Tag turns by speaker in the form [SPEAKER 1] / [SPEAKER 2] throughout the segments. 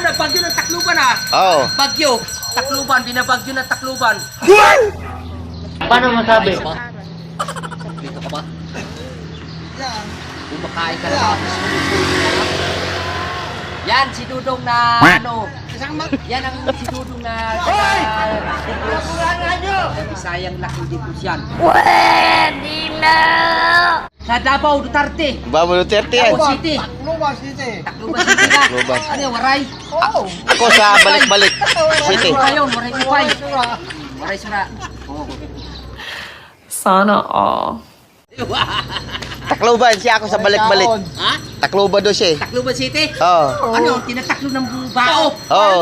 [SPEAKER 1] ano, bagyo ng Tacloban ah.
[SPEAKER 2] Oo.
[SPEAKER 1] Bagyo. Tacloban, binabagyo ng Tacloban.
[SPEAKER 3] Paano masabi?
[SPEAKER 1] Dito ka ba? Kumakain ka na. Yan, si Dudong na ano. Yan ang si Dudong na Bisayang laking dito siyan.
[SPEAKER 4] Pwede na!
[SPEAKER 1] Sa Davao, Duterte.
[SPEAKER 2] Babo Duterte yan.
[SPEAKER 1] Davao City.
[SPEAKER 5] Tacloban City.
[SPEAKER 1] Tacloban City ka.
[SPEAKER 2] Tacloban.
[SPEAKER 1] Ano yung waray?
[SPEAKER 5] Oo.
[SPEAKER 2] Ako sa balik-balik city.
[SPEAKER 1] Waray yun, waray upay. Waray sura.
[SPEAKER 4] Sana all.
[SPEAKER 2] Tacloban siya ako sa balik-balik.
[SPEAKER 1] Ha?
[SPEAKER 2] Tacloban do siya.
[SPEAKER 1] Tacloban City?
[SPEAKER 2] Oo.
[SPEAKER 1] Ano? Tinataklo ng bao.
[SPEAKER 2] Oo.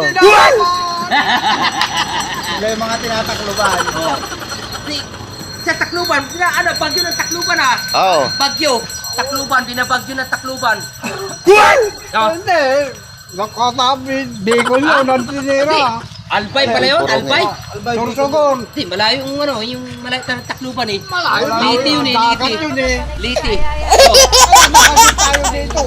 [SPEAKER 5] Sila yung mga tinatakluban.
[SPEAKER 1] Sa Tacloban, ano, bagyo ng Tacloban ah.
[SPEAKER 2] Oo.
[SPEAKER 1] Bagyo. Tacloban, binabagyo ng Tacloban.
[SPEAKER 5] Hindi. Nakatabi. Bicol yun. Ang tinira.
[SPEAKER 1] Albay pala yun, Albay.
[SPEAKER 5] Sorsogon.
[SPEAKER 1] Hindi, malayo yung ano, yung malayo ng Tacloban eh.
[SPEAKER 5] Malayo.
[SPEAKER 1] Liti yun eh,
[SPEAKER 5] Dagat
[SPEAKER 1] Liti.
[SPEAKER 5] yun eh.
[SPEAKER 1] Liti.
[SPEAKER 5] Nakakit tayo dito.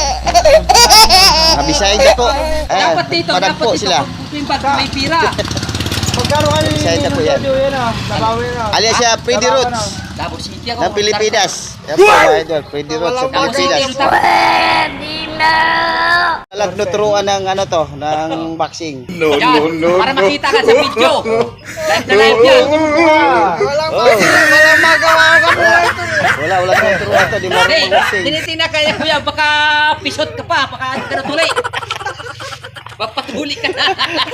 [SPEAKER 2] Abisay na po.
[SPEAKER 1] Dapat dito, dapat
[SPEAKER 2] Padagpo
[SPEAKER 1] dito.
[SPEAKER 2] sila.
[SPEAKER 1] Kung bag may pira.
[SPEAKER 5] Magkano kayo
[SPEAKER 2] Bisaya na po yan.
[SPEAKER 5] Yun ah. Nabawi na.
[SPEAKER 2] Alias siya Pwede Roots
[SPEAKER 1] Davao City ako.
[SPEAKER 2] ng Pilipinas. Yan po mga idol. Pwede Roots sa
[SPEAKER 1] Davao City.
[SPEAKER 2] Pilipinas.
[SPEAKER 4] Pwede na!
[SPEAKER 2] Nagtuturuan ng ano to, ng boxing.
[SPEAKER 1] Yan, para makita ka sa video. Live na live yan.
[SPEAKER 5] Walang
[SPEAKER 2] Oh.
[SPEAKER 5] walang magawa ka mo ito.
[SPEAKER 2] Wala tuturuan to. Di
[SPEAKER 1] Hey,
[SPEAKER 2] marunong boxing.
[SPEAKER 1] tinitina ka niya kuya, baka pisot ka pa, baka hindi ka na tuloy. Papatuli ka na.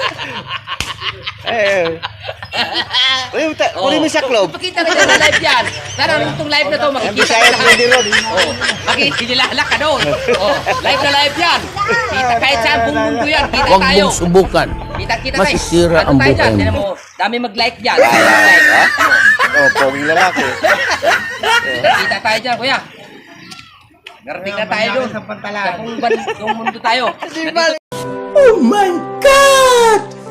[SPEAKER 2] Eh. Kunin mo sa club.
[SPEAKER 1] Pakita ka na live yan. Tara, itong live na to,
[SPEAKER 2] Ang
[SPEAKER 1] makikita
[SPEAKER 2] Bisaya
[SPEAKER 1] ka
[SPEAKER 2] Pwede Roots.
[SPEAKER 1] Oh, makikilala ka doon. Oh, live na live yan. Kita kahit saan buong mundo yan. Kita
[SPEAKER 3] Huwag
[SPEAKER 1] tayo.
[SPEAKER 3] mong subukan.
[SPEAKER 1] Kita tayo.
[SPEAKER 3] Masisira
[SPEAKER 1] Ano
[SPEAKER 3] ang
[SPEAKER 1] tayo dyan?
[SPEAKER 3] buhay mo.
[SPEAKER 1] Tignan mo, dami mag-like dyan. Like.
[SPEAKER 2] Oh, poging lalaki.
[SPEAKER 1] Kita tayo dyan, kuya. Narating na tayo doon.
[SPEAKER 5] Sa pantalan.
[SPEAKER 1] Kung mundo tayo.
[SPEAKER 3] Oh my God!